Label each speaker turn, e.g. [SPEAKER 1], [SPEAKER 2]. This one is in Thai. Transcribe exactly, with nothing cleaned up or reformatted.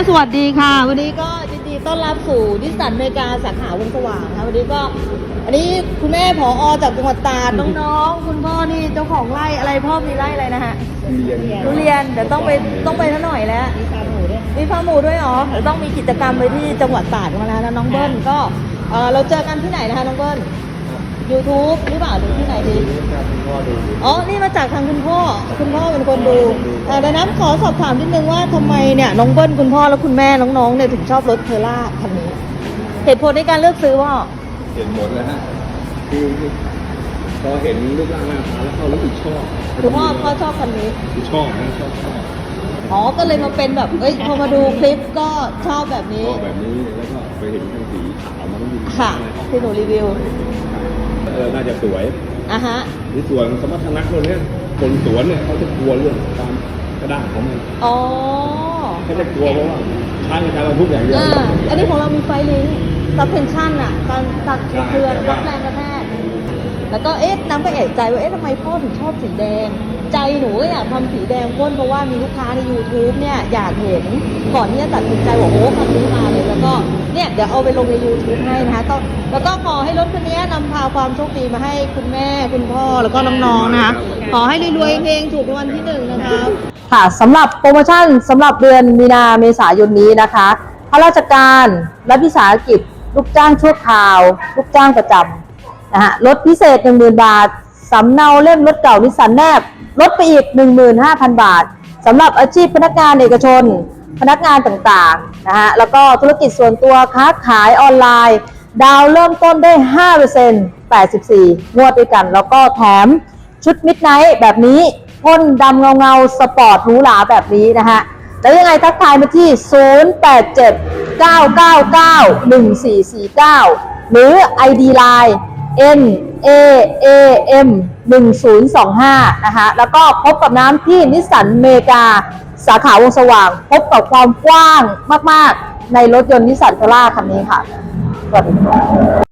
[SPEAKER 1] สวัสดีค่ะวันนี้ก็ยินดีต้อนรับสู่นิสสันอเมริกาสาขาวงสว่างค่ะวันนี้ก็อันนี้คุณแม่ผอ.จากจังหวัดตราดน้องๆคุณพ่อนี่เจ้าของไร่อะไรพ่อมีไร่อะไรนะฮะทุเรียนเดี๋ยวต้องไปต้องไปท่าหน่อยแล้วมีฟาร์มหมูด้วยมีฟาร์มหมูด้วยเหรอเดี๋ยวต้องมีกิจกรรมไปที่จังหวัดตราดมาแล้วนะน้องเบิ้ลก็เออเราเจอกันที่ไหนนะคะน้องเบิ้ล YouTube หรือเปล่าหรือที่ไหนดีอ๋อนี่มาจากทางคุณพ่อคุณพ่อเป็นคนดูดังนั้นขอสอบถามนิดนึงว่าทำไมเนี่ยน้องเบิ้ลคุณพ่อและคุณแม่น้องๆเนี่ยถึงชอบรถเทอร่าคันนี้เหตุผลในการเลือกซื้อว่า
[SPEAKER 2] เห็นหมดแล้วฮะคือพอเห็นรูปร่างหน้าตาแล้วเขารู้สึกชอบ
[SPEAKER 1] คุณพ่อพ่อชอบคันนี้
[SPEAKER 2] ชอบนะชอบชอบ
[SPEAKER 1] อ๋อก็เลยมาเป็นแบบเอ้ยพอมาดูคลิปก็ชอบแบบนี้
[SPEAKER 2] ชอบแบบนี้แล้วก็ไปเห็นคันสีขาวมันก็ยิ่ง
[SPEAKER 1] ค่ะที่หนูรีวิว
[SPEAKER 2] เออน่าจะสวย
[SPEAKER 1] อ่ะฮะ
[SPEAKER 2] ในส่วนสมรรถนะคนเนี้ยคนสวนเนี่ยเขาจะกลัวเรื่องการกระด้างของมัน
[SPEAKER 1] อ๋อ
[SPEAKER 2] เขาจะกลัวเพราะว่าใช้การบรรทุกอย่างเดียว
[SPEAKER 1] อ่าอันนี้ของเรามีไฟลิงก์ซับเพนชั่นอ่ะการตัดเคลื่อนรับแรงกระแทกแล้วก็เอ๊ะน้ำก็เอะใจว่าเอ๊ะทำไมพ่อถึงชอบสีแดงใจหนูก็อยากทำสีแดงพ่นเพราะว่ามีลูกค้าใน YouTube เนี่ยอยากเห็นก่อนที่จะตัดสินใจบอกโอ้คันนี้มาเลยแล้วก็เนี่ยเดี๋ยวเอาไปลงใน YouTube ให้นะคะก็แล้วก็ขอให้รถคันนี้นำพาความโชคดีมาให้คุณแม่คุณพ่อแล้วก็น้องๆนะคะขอให้รวยๆเฮงถูกรางวัลที่หนึ่งนะคะ
[SPEAKER 3] ค่ะสำหรับโปรโมชั่นสำหรับเดือนมีนาเมษายนนี้นะคะข้าราชการรัฐวิสาหกิจลูกจ้างชั่วคราวลูกจ้างประจำนะฮะลดพิเศษ หนึ่งหมื่น บาทสำเนาเล่มรถเก่านิสสันแนบลดไปอีก หนึ่งหมื่นห้าพัน บาทสำหรับอาชีพพนักงานเอกชนพนักงานต่างๆนะฮะแล้วก็ธุรกิจส่วนตัวค้าขายออนไลน์ดาวเริ่มต้นได้ ห้าเปอร์เซ็นต์ แปดสิบสี่ งวดด้วยกันแล้วก็แถมชุดมิดไนท์แบบนี้พ่นดำเงาเงาสปอร์ตหรูหราแบบนี้นะฮะแล้วยังไงทักทายมาที่ ศูนย์ แปด เจ็ด เก้า เก้า เก้า หนึ่ง สี่ สี่ เก้า หรือ ไอ ดี ไลน์ เอ็น เอ เอ เอ็ม หนึ่ง ศูนย์ สอง ห้า นะคะแล้วก็พบกับน้ำที่นิสสันอเมริกาสาขาวงสว่างพบกับความกว้างมากๆในรถยนต์นิสสันเทอร่าคันนี้ค่ะสวัสดีค่ะ